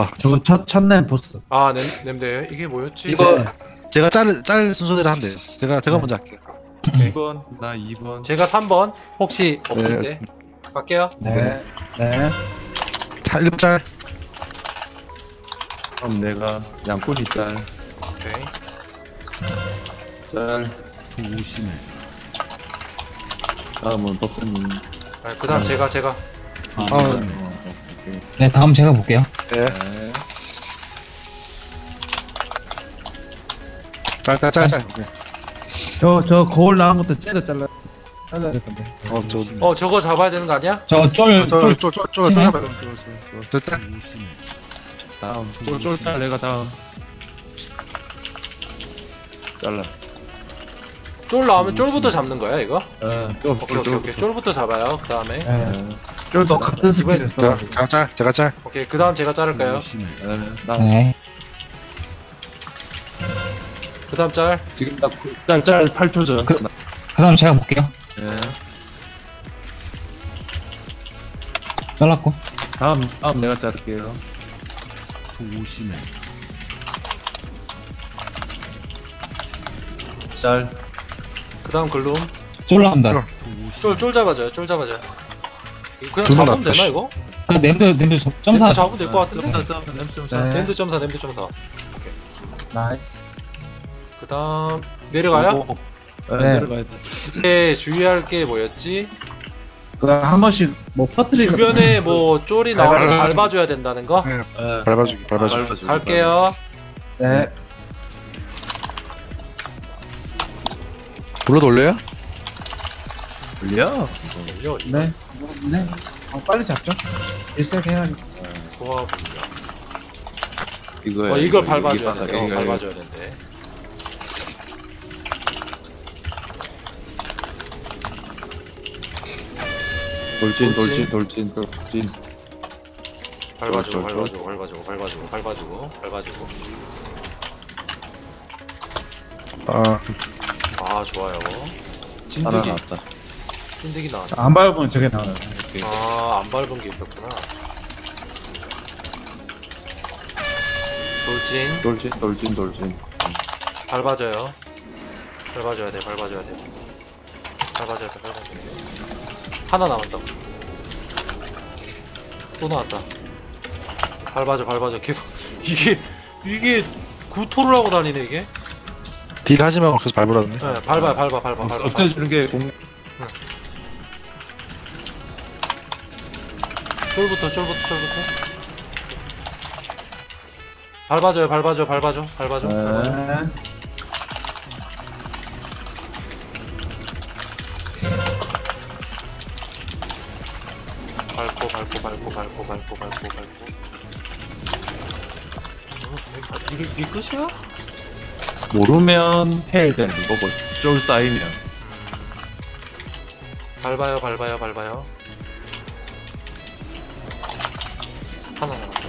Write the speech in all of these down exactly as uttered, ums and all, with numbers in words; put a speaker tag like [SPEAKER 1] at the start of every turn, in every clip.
[SPEAKER 1] 봐.
[SPEAKER 2] 저건 첫, 첫날 보스.
[SPEAKER 3] 아 냄, 냄새 이게 뭐였지?
[SPEAKER 1] 이거
[SPEAKER 2] 네.
[SPEAKER 1] 제가 짤, 짤 순서대로 하면 돼요. 제가 제가
[SPEAKER 2] 네.
[SPEAKER 1] 먼저 할게요.
[SPEAKER 4] 이 번, 나 이 번.
[SPEAKER 3] 제가 삼 번 혹시 없을
[SPEAKER 1] 네.
[SPEAKER 3] 때 갈게요.
[SPEAKER 2] 네. 네.
[SPEAKER 1] 자, 일 번 짤.
[SPEAKER 4] 그럼 내가 양꾼이 짤.
[SPEAKER 3] 오케이.
[SPEAKER 4] 짤.
[SPEAKER 5] 조심해.
[SPEAKER 4] 다음은 법사님.
[SPEAKER 3] 아, 그다음 제가 제가
[SPEAKER 5] 조심해.
[SPEAKER 4] 오케이.
[SPEAKER 6] 네, 다음 제가 볼게요.
[SPEAKER 1] 네.
[SPEAKER 4] 네.
[SPEAKER 1] 짤, 짤, 짤, 짤. 네.
[SPEAKER 2] 저, 저 거울 나온 것도 째려 잘라, 잘라야 될 건데.
[SPEAKER 1] 어, 저,
[SPEAKER 3] 어 저거 잡아야 되는 거 아니야?
[SPEAKER 6] 저 쫄,
[SPEAKER 1] 저,
[SPEAKER 6] 쫄,
[SPEAKER 1] 저, 저, 저, 저, 저, 저, 짤.
[SPEAKER 5] 조심해.
[SPEAKER 4] 다음. 쫄, 쫄 짤, 내가 다음. 잘라.
[SPEAKER 3] 쫄 나오면 쫄부터 잡는 거야 이거?
[SPEAKER 4] 어, 쫄,
[SPEAKER 3] 오케이 오케이 오케이 쫄부터 잡아요. 그 다음에
[SPEAKER 2] 네. 쫄도 같은 스킬을 써.
[SPEAKER 1] 자, 제가 짤, 제가 짤.
[SPEAKER 3] 오케이 그 다음 제가 자를까요?
[SPEAKER 5] 조심해.
[SPEAKER 4] 네, 나
[SPEAKER 6] 네.
[SPEAKER 3] 그 다음 짤.
[SPEAKER 4] 지금 나 짤, 짤 팔 초 전.
[SPEAKER 6] 그- 그 다음 제가 볼게요.
[SPEAKER 4] 네.
[SPEAKER 6] 잘랐고.
[SPEAKER 4] 다음, 다음 내가 자를게요.
[SPEAKER 5] 조심해.
[SPEAKER 4] 짤.
[SPEAKER 3] 그 다음 글룸.
[SPEAKER 6] 쫄 나온다.
[SPEAKER 1] 쫄.
[SPEAKER 5] 조심해.
[SPEAKER 3] 쫄 쫄 잡아줘요. 쫄 잡아줘요. 이거 그냥
[SPEAKER 1] 둘만
[SPEAKER 3] 잡으면
[SPEAKER 1] 낫다,
[SPEAKER 3] 되나
[SPEAKER 1] 씨.
[SPEAKER 3] 이거?
[SPEAKER 6] 그 냄새, 냄새 점사.
[SPEAKER 3] 램드 잡으면 될 것 같은데?
[SPEAKER 4] 점사, 점사, 냄새 점사.
[SPEAKER 2] 네.
[SPEAKER 3] 램드 점사 램드 점사.
[SPEAKER 2] 나이스.
[SPEAKER 3] 그 다음 내려가요?
[SPEAKER 4] 오, 네,
[SPEAKER 2] 네.
[SPEAKER 4] 내려가야 돼.
[SPEAKER 3] 이때 주의할 게 뭐였지?
[SPEAKER 2] 그 한 번씩 뭐 퍼뜨리고.
[SPEAKER 3] 주변에 뭐 쫄이 나오면
[SPEAKER 1] 밟아-
[SPEAKER 3] 밟아줘야 된다는 거?
[SPEAKER 1] 네,
[SPEAKER 4] 네.
[SPEAKER 1] 밟아주기, 밟아주기.
[SPEAKER 4] 밟아주기.
[SPEAKER 3] 갈게요.
[SPEAKER 2] 네.
[SPEAKER 1] 불러 돌려요?
[SPEAKER 4] 돌려?
[SPEAKER 3] 올려.
[SPEAKER 2] 네. 네. 어, 빨리 잡죠. 일색 해야니까.
[SPEAKER 3] 소화.
[SPEAKER 4] 이거
[SPEAKER 3] 어 이걸 밟아줘야
[SPEAKER 4] 이거
[SPEAKER 3] 된대. 어,
[SPEAKER 4] 이거
[SPEAKER 3] 밟아줘야 된대.
[SPEAKER 4] 돌진,
[SPEAKER 3] 돌진.
[SPEAKER 4] 돌진, 돌진, 돌진.
[SPEAKER 3] 밟아주고
[SPEAKER 4] 쫄, 쫄,
[SPEAKER 3] 밟아주고 밟아주고 밟아주고 밟아주고 밟아주고.
[SPEAKER 1] 아,
[SPEAKER 3] 아 좋아요.
[SPEAKER 4] 하나
[SPEAKER 3] 진드기
[SPEAKER 4] 나왔다.
[SPEAKER 3] 진드기 나왔네.
[SPEAKER 2] 안 밟으면 저게 나와요.
[SPEAKER 4] 오케이.
[SPEAKER 3] 아안 밟은 게 있었구나. 돌진
[SPEAKER 4] 돌진, 돌진, 돌진.
[SPEAKER 3] 밟아줘요. 밟아줘야 돼 밟아줘야 돼. 밟아줘야 돼 밟아줘야 돼. 하나 남았다. 또 나왔다. 밟아줘 밟아줘 계속 이게 이게 구토를 하고 다니네 이게.
[SPEAKER 1] 딜 하지 말고 계속 밟으라던데.
[SPEAKER 3] 네, 밟아 밟아 밟아 밟아.
[SPEAKER 4] 없애주는 게 공.
[SPEAKER 3] 쫄부터 쫄부터 쫄부터. 밟아줘요 밟아줘 밟아줘 밟아줘.
[SPEAKER 4] 네.
[SPEAKER 2] 네.
[SPEAKER 3] 밟고 밟고 밟고 밟고 밟고 밟고 밟고. 어, 이게 이게 끝이야?
[SPEAKER 4] 모르면 해야 되는 거고, 쫄 쌓이면.
[SPEAKER 3] 밟아요 밟아요 밟아요. 하나 남았다.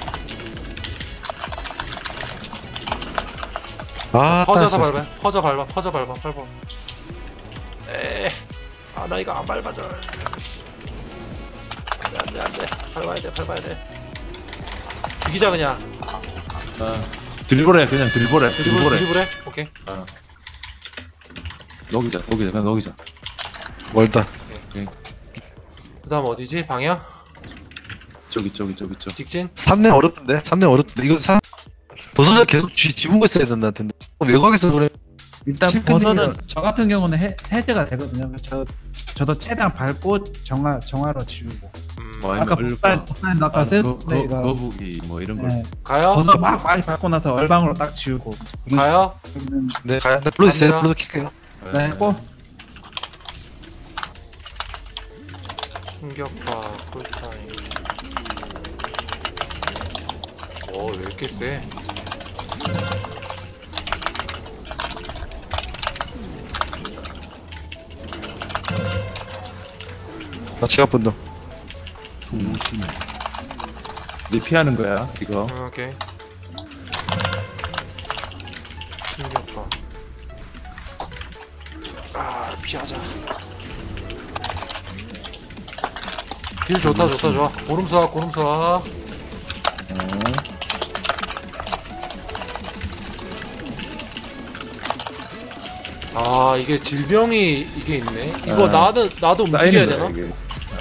[SPEAKER 1] 아,
[SPEAKER 3] 퍼져서
[SPEAKER 1] 따,
[SPEAKER 3] 밟아요. 퍼져 밟아 퍼져 밟아 밟아. 에. 아 나 이거 안 밟아줘. 안돼 안돼 안돼. 밟아야 돼 밟아야 돼. 죽이자 그냥.
[SPEAKER 4] 아, 드리블해, 그냥 드리블해.
[SPEAKER 3] 드리블
[SPEAKER 4] 드리블해.
[SPEAKER 3] 드리블해. 오케이.
[SPEAKER 4] 녹이자, 녹이자, 그냥 녹이자.
[SPEAKER 1] 멀다.
[SPEAKER 3] 그다음 어디지 방향?
[SPEAKER 4] 저기, 저기, 저기, 저기.
[SPEAKER 3] 직진.
[SPEAKER 1] 삼 렘 어렵던데? 삼 렘 어렵던데? 이거 삼, 버섯을 계속 쥐, 지우고 있어야 된다 텐데. 외곽에서 그래.
[SPEAKER 2] 일단
[SPEAKER 1] 칠팬이면-
[SPEAKER 2] 버섯은 저 같은 경우는 해, 해제가 되거든요. 저 저도 최대한 밟고 정화 정화로 지우고.
[SPEAKER 3] 음,
[SPEAKER 4] 뭐,
[SPEAKER 2] 아까
[SPEAKER 4] 아니면
[SPEAKER 2] 복살
[SPEAKER 4] 얼방,
[SPEAKER 2] 복살 아까
[SPEAKER 4] 거, 거,
[SPEAKER 2] 세스네가
[SPEAKER 4] 거북이, 뭐 이런 걸.
[SPEAKER 2] 네,
[SPEAKER 3] 가요?
[SPEAKER 2] 버섯 막 많이 밟고 나서 얼방으로 딱 지우고.
[SPEAKER 3] 가요?
[SPEAKER 2] 그러면
[SPEAKER 1] 네, 가야, 네, 불러주세요.
[SPEAKER 3] 갑니다.
[SPEAKER 1] 불러서 킬게요.
[SPEAKER 2] 네, 꼭
[SPEAKER 3] 충격파 쿨타임. 오, 왜 이렇게 세?
[SPEAKER 1] 나 지갑 분동.
[SPEAKER 5] 조심해.
[SPEAKER 4] 네 피하는 거야, 이거.
[SPEAKER 3] 음, 오케이. 충격파. 아, 피하자. 딜 좋다, 좋다, 좋아. 고름사, 고름사.
[SPEAKER 4] 네.
[SPEAKER 3] 아 이게 질병이 이게 있네. 이거
[SPEAKER 4] 아,
[SPEAKER 3] 나도 나도 움직여야
[SPEAKER 4] 쌓이는
[SPEAKER 3] 되나?
[SPEAKER 4] 거야, 이게.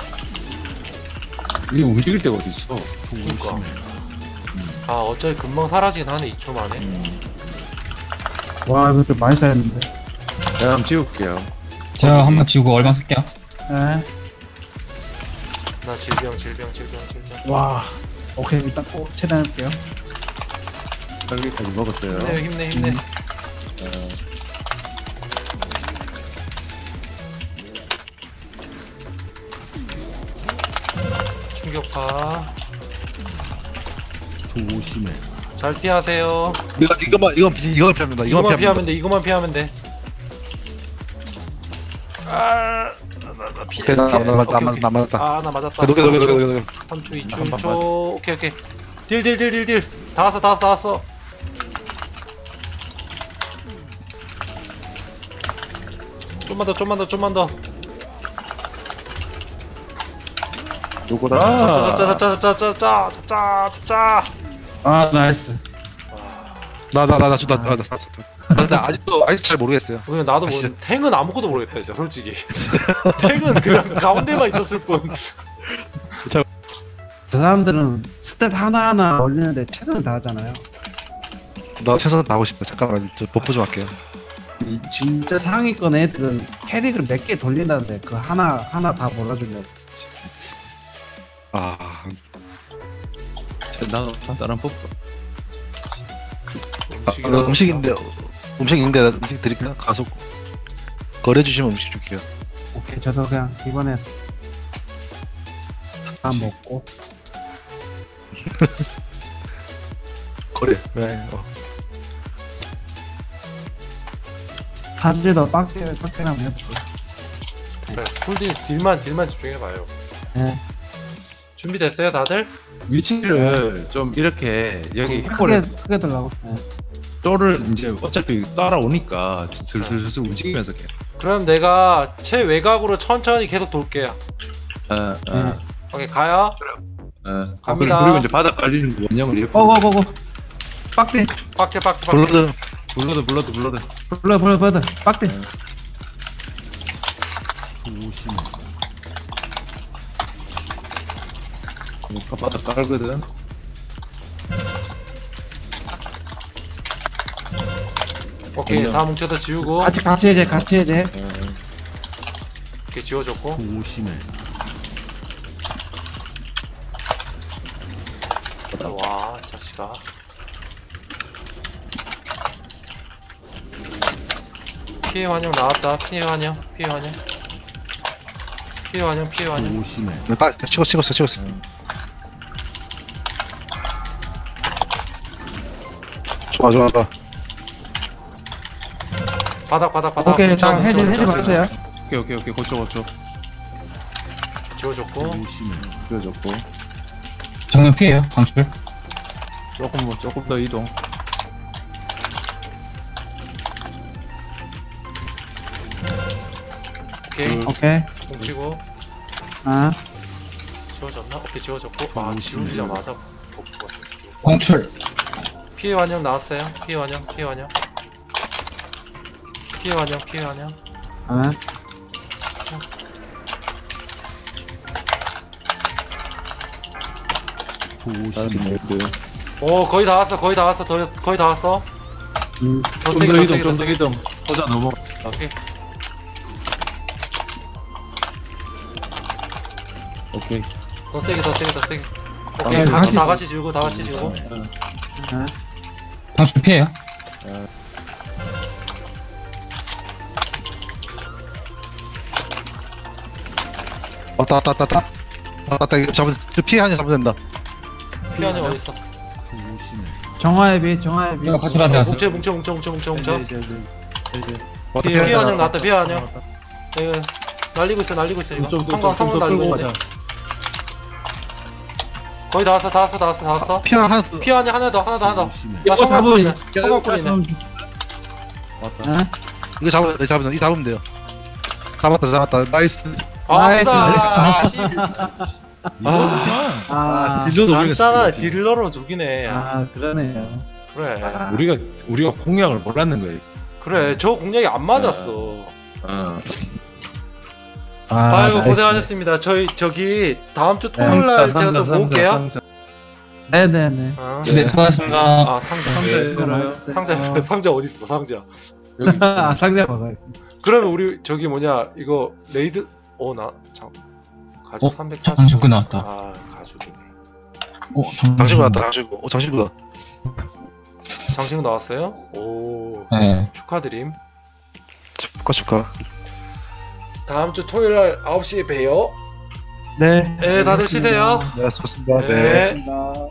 [SPEAKER 4] 이게 움직일 데가 어디 있어?
[SPEAKER 5] 조심해.
[SPEAKER 3] 아 어차피 금방 사라지긴 하네 이 초 만에.
[SPEAKER 2] 와 이거 좀 많이 쌓였는데.
[SPEAKER 4] 제가 한번 지울게요.
[SPEAKER 6] 제가 한번 지우고 얼마 쓸게요.
[SPEAKER 2] 네.
[SPEAKER 3] 나 질병 질병 질병 질병.
[SPEAKER 2] 와. 오케이 일단 꼭 최대한 할게요.
[SPEAKER 4] 딸기까지 먹었어요.
[SPEAKER 3] 힘내 힘내 힘내.
[SPEAKER 2] 음.
[SPEAKER 4] 어,
[SPEAKER 3] 충격파.
[SPEAKER 5] 조심해.
[SPEAKER 3] 잘 피하세요.
[SPEAKER 1] 이거 이거만 이건 피- 이건 피합니다. 이건
[SPEAKER 3] 이거만
[SPEAKER 1] 피합니다.
[SPEAKER 3] 피하면 돼. 이거만 피하면 돼. 아, 나, 나, 나 피해.
[SPEAKER 1] 오케이 나
[SPEAKER 3] 피해.
[SPEAKER 1] 나 맞다
[SPEAKER 3] 오케이,
[SPEAKER 1] 나
[SPEAKER 3] 오케이.
[SPEAKER 1] 나 맞다.
[SPEAKER 3] 아, 나 맞았다.
[SPEAKER 1] 녹여 녹여 녹여 녹여.
[SPEAKER 3] 삼 초, 이 초,
[SPEAKER 4] 한
[SPEAKER 3] 일
[SPEAKER 4] 번
[SPEAKER 3] 초.
[SPEAKER 4] 맞았어.
[SPEAKER 3] 오케이, 오케이. 딜, 딜, 딜, 딜, 딜. 다 왔어, 다 왔어, 다 왔어. 좀만 더, 좀만 더, 좀만 더.
[SPEAKER 4] 요거라.
[SPEAKER 3] 잡자, 잡자, 잡자, 잡자, 잡자, 잡자, 잡자.
[SPEAKER 2] 아 나이스.
[SPEAKER 1] 나나나나나나 근데 아직도 아직 잘 모르겠어요.
[SPEAKER 3] 왜냐면 나도
[SPEAKER 1] 아시죠?
[SPEAKER 3] 모르 탱은 아무것도 모르겠다, 진짜, 솔직히. 탱은 그냥 가운데만 있었을 뿐.
[SPEAKER 2] 저 사람들은 스탯 하나하나 올리는데 최선을 다하잖아요.
[SPEAKER 1] 나 최선 다하고 싶다. 잠깐만 저 버프 좀 할게요.
[SPEAKER 2] 이 진짜 상위권 애들은 캐릭을 몇 개 돌린다는데 그 하나 하나 다 몰아주려고.
[SPEAKER 1] 아,
[SPEAKER 4] 자, 나도 다른 법.
[SPEAKER 1] 아, 나 음식인데 음식인데 나 음식 드릴까요? 가서 거래 주시면 음식 줄게요.
[SPEAKER 2] 오케이 저도 그냥 이번에 다 먹고.
[SPEAKER 1] 거래. 네. 어.
[SPEAKER 2] 사진도 빡대 빡대랑 해볼게.
[SPEAKER 3] 그래, 쿨딜, 딜만, 딜만 집중해봐요.
[SPEAKER 2] 네.
[SPEAKER 3] 준비됐어요, 다들?
[SPEAKER 4] 위치를 좀 이렇게 여기
[SPEAKER 2] 크게
[SPEAKER 4] 햄버를
[SPEAKER 2] 크게 들라고. 네.
[SPEAKER 4] 쪼를 이제 어차피 따라오니까 슬슬슬 움직이면서 해.
[SPEAKER 3] 그럼 내가 최외곽으로 천천히 계속 돌게요.
[SPEAKER 4] 어, 어,
[SPEAKER 2] 네.
[SPEAKER 3] 오케이, 가요.
[SPEAKER 4] 어.
[SPEAKER 3] 갑니다.
[SPEAKER 4] 그리고 이제 바닥 깔리는 거 원형을 이렇게
[SPEAKER 2] 고고고고. 빡대.
[SPEAKER 3] 빡대, 빡대, 빡대.
[SPEAKER 1] 블러드
[SPEAKER 4] 불러도 불러도 불러도
[SPEAKER 2] 불러 불러 불러. 빡대.
[SPEAKER 5] 조심해.
[SPEAKER 4] 그러니까 바닥 깔거든.
[SPEAKER 3] 오케이,
[SPEAKER 4] 그럼요.
[SPEAKER 3] 다 뭉쳐서 지우고.
[SPEAKER 2] 같이 같이 해제 같이 해제.
[SPEAKER 4] 어,
[SPEAKER 3] 이렇게 지워줬고.
[SPEAKER 5] 조심해.
[SPEAKER 3] 와, 자식아. 피해 환영 나왔다. 피해 환영, 피해 환영. 피해 환영, 피해 환영.
[SPEAKER 5] 조심해.
[SPEAKER 1] 네, 빠 찍었어 찍었어 찍었어. 좋아 좋아 좋아.
[SPEAKER 3] 바닥, 바닥, 바닥.
[SPEAKER 2] 오케이
[SPEAKER 3] 뭉쳐,
[SPEAKER 2] 자
[SPEAKER 3] 뭉쳐,
[SPEAKER 2] 해제
[SPEAKER 3] 뭉쳐,
[SPEAKER 2] 해제
[SPEAKER 3] 뭉쳐.
[SPEAKER 2] 맞춰요.
[SPEAKER 4] 오케이 오케이 오케이 고쳐 고쳐
[SPEAKER 3] 지워줬고.
[SPEAKER 5] 조심해.
[SPEAKER 4] 그려줬고
[SPEAKER 6] 정면 피해요. 방출.
[SPEAKER 4] 조금 뭐 조금 더 이동.
[SPEAKER 3] 오케이,
[SPEAKER 2] 오케이.
[SPEAKER 3] 뭉치고.
[SPEAKER 2] 아
[SPEAKER 3] 지워졌나? 오케이, 지워졌고. 아, 지워지자마자 복구가 좀.
[SPEAKER 6] 방출.
[SPEAKER 3] 피해 환영 나왔어요. 피해 환영, 피해 환영. 피해 환영, 피해 환영.
[SPEAKER 2] 아.
[SPEAKER 5] 조심해.
[SPEAKER 3] 오, 거의 다 왔어, 거의 다 왔어, 더, 거의 다 왔어.
[SPEAKER 2] 음.
[SPEAKER 3] 더
[SPEAKER 4] 좀
[SPEAKER 3] 세게,
[SPEAKER 4] 더
[SPEAKER 3] 더
[SPEAKER 4] 이동
[SPEAKER 3] 세게, 더
[SPEAKER 4] 좀 더
[SPEAKER 3] 세게.
[SPEAKER 4] 이동. 보자 넘어.
[SPEAKER 3] 오케이.
[SPEAKER 4] 오케이.
[SPEAKER 3] 더 세게, 더 세게, 더 세게.
[SPEAKER 4] 아,
[SPEAKER 3] 오케이,
[SPEAKER 2] 네,
[SPEAKER 3] 같이
[SPEAKER 2] 같이-
[SPEAKER 3] 다 같이 지우고, 다 같이 지우고.
[SPEAKER 2] 아.
[SPEAKER 6] 방출 피해요.
[SPEAKER 1] 왔다 왔다 왔다 왔다. 왔다 이거 잡으면 저 피해 하냐 잡으면 된다.
[SPEAKER 3] 피해 환영 어디 있어?
[SPEAKER 5] 조심해.
[SPEAKER 2] 정화의 빛 정화의 빛.
[SPEAKER 6] 이거 같이 받아야 돼.
[SPEAKER 3] 뭉쳐, 뭉쳐, 뭉쳐, 뭉쳐, 뭉쳐, 뭉쳐.
[SPEAKER 4] 이제 이제 이제
[SPEAKER 1] 왔다
[SPEAKER 3] 피해
[SPEAKER 1] 피해
[SPEAKER 3] 환영
[SPEAKER 1] 하냐.
[SPEAKER 3] 나왔다, 피해 환영. 네, 날리고 있어, 날리고 있어, 지금. 성광, 성광 날리고 있는데. 거의 다 왔어, 다 왔어, 다 왔어, 다 왔어.
[SPEAKER 1] 피해 하나 더.
[SPEAKER 3] 피해 환영 하나 더, 하나 더, 하나 더.
[SPEAKER 5] 조심해.
[SPEAKER 3] 나
[SPEAKER 2] 이거
[SPEAKER 3] 성광
[SPEAKER 2] 잡으면
[SPEAKER 3] 뿌리네. 성광 뿌리네.
[SPEAKER 4] 왔다.
[SPEAKER 2] 아.
[SPEAKER 1] 이거 잡으면 돼 잡으면 이 잡으면 돼요. 잡았다 잡았다 나이스.
[SPEAKER 2] 나이스.
[SPEAKER 3] 아싸! 씨.
[SPEAKER 4] 이거구나.
[SPEAKER 2] 아.
[SPEAKER 1] 딜러도
[SPEAKER 3] 간단하다,
[SPEAKER 1] 모르겠어.
[SPEAKER 3] 딜러로 죽이네.
[SPEAKER 2] 아 그러네요.
[SPEAKER 3] 그래.
[SPEAKER 4] 우리가 우리가 공략을 몰랐는 거야.
[SPEAKER 3] 그래 저 공략이 안 맞았어.
[SPEAKER 4] 어.
[SPEAKER 2] 아,
[SPEAKER 3] 아이고
[SPEAKER 2] 나이스.
[SPEAKER 3] 고생하셨습니다. 저희 저기 다음 주
[SPEAKER 2] 네.
[SPEAKER 3] 토요일 날
[SPEAKER 4] 상자,
[SPEAKER 3] 제가 또
[SPEAKER 4] 상자,
[SPEAKER 3] 모을게요.
[SPEAKER 4] 상자.
[SPEAKER 2] 네네네.
[SPEAKER 3] 어.
[SPEAKER 6] 네, 수고하셨습니다.
[SPEAKER 3] 아 상자
[SPEAKER 4] 상자에
[SPEAKER 2] 열어요.
[SPEAKER 3] 상자
[SPEAKER 2] 어.
[SPEAKER 3] 상자 어디 있어 상자.
[SPEAKER 4] 여기
[SPEAKER 2] 아, 상자 먹어요.
[SPEAKER 3] 그러면 우리 저기 뭐냐 이거 레이드 어나참 가죽
[SPEAKER 6] 어?
[SPEAKER 3] 삼백사십.
[SPEAKER 6] 장식구 나왔다.
[SPEAKER 3] 아 가죽이네.
[SPEAKER 6] 어,
[SPEAKER 1] 장신구 나왔다 장신구 어 장신구다
[SPEAKER 3] 장신구 나왔어요? 오
[SPEAKER 6] 네.
[SPEAKER 3] 축하드림.
[SPEAKER 1] 축하 축하
[SPEAKER 3] 다음 주 토요일 날 아홉 시에 봬요.
[SPEAKER 2] 네.
[SPEAKER 3] 네 다들 쉬세요.
[SPEAKER 1] 네 수고하셨습니다 네.
[SPEAKER 3] 네.
[SPEAKER 2] 고맙습니다.